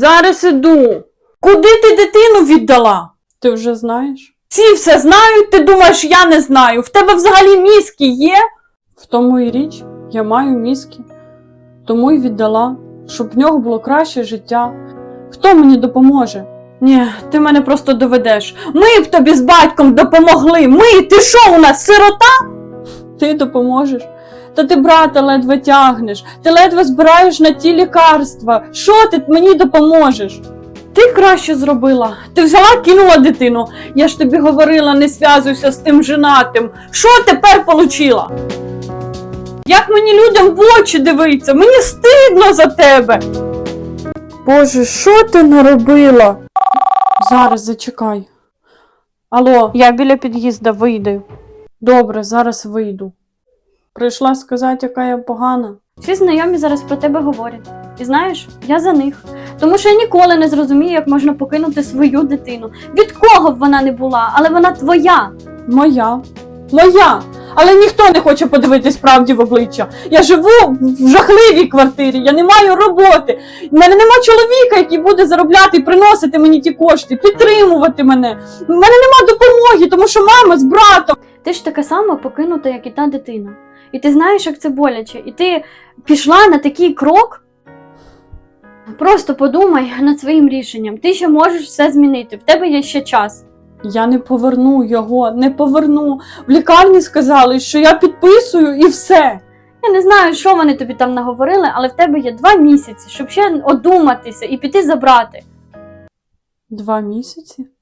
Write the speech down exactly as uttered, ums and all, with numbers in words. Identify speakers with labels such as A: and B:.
A: Зараз іду. Куди ти дитину віддала? Ти вже знаєш? Всі все знають, ти думаєш, я не знаю. В тебе взагалі мізки є? В тому і річ, я маю мізки. Тому й віддала, щоб в нього було краще життя. Хто мені допоможе? Ні, ти мене просто доведеш. Ми б тобі з батьком допомогли. Ми, ти що у нас, сирота? Ти допоможеш? Та ти брата ледве тягнеш. Ти ледве збираєш на ті лікарства. Що ти мені допоможеш? Ти краще зробила. Ти взяла, кинула дитину. Я ж тобі говорила, не зв'язуйся з тим женатим. Що тепер получила? Як мені людям в очі дивиться? Мені стидно за тебе. Боже, що ти наробила? Зараз зачекай. Алло, я біля під'їзду, вийду. Добре, зараз вийду. Прийшла сказати, яка я погана.
B: Всі знайомі зараз про тебе говорять. І знаєш, я за них. Тому що я ніколи не зрозумію, як можна покинути свою дитину. Від кого б вона не була, але вона твоя.
A: Моя. Моя. Але ніхто не хоче подивитись правді в обличчя. Я живу в жахливій квартирі, я не маю роботи. В мене нема чоловіка, який буде заробляти і приносити мені ті кошти, підтримувати мене. В мене нема допомоги, тому що мама з братом.
B: Ти ж така сама покинута, як і та дитина. І ти знаєш, як це боляче. І ти пішла на такий крок. Просто подумай над своїм рішенням. Ти ще можеш все змінити. В тебе є ще час.
A: Я не поверну його, не поверну. В лікарні сказали, що я підписую і все.
B: Я не знаю, що вони тобі там наговорили, але в тебе є два місяці, щоб ще одуматися і піти забрати.
A: Два місяці?